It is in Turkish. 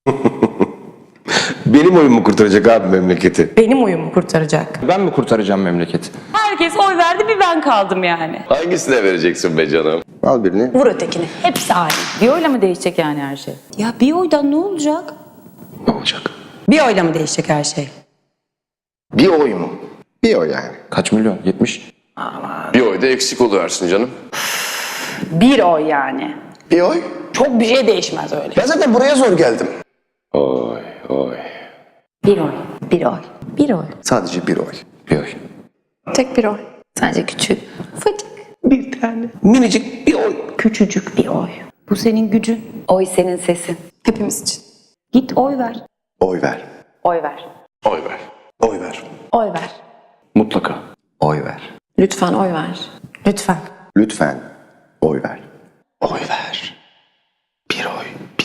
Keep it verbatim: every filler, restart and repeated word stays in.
Benim oyun mu kurtaracak abi memleketi? Benim oyumu kurtaracak. Ben mi kurtaracağım memleketi? Herkes oy verdi, bir ben kaldım yani. Hangisine vereceksin be canım? Al birini. Vur ötekini. Hepsi aynı. Bir oyla mı değişecek yani her şey? Ya bir oydan ne olacak? Ne olacak? Bir oyla mı değişecek her şey? Bir oy mu? Bir oy yani. Kaç milyon? yetmiş. Bir oy da eksik oluversin canım. Bir oy yani. Bir oy? Çok bir şey değişmez öyle. Ben zaten buraya zor geldim. Oy oy. Bir oy. Bir oy. Bir oy. Sadece bir oy. Bir oy. Tek bir oy. Sadece küçük. Fıtık. Bir tane. Minicik bir oy. Küçücük bir oy. Bu senin gücün. Oy senin sesin. Hepimiz için. Git oy ver. Oy ver. Oy ver. Oy ver. Oy ver. Oy ver. Mutlaka. Oy ver. Lütfen oy ver. Lütfen. Lütfen oy ver. Oy ver. Bir oy.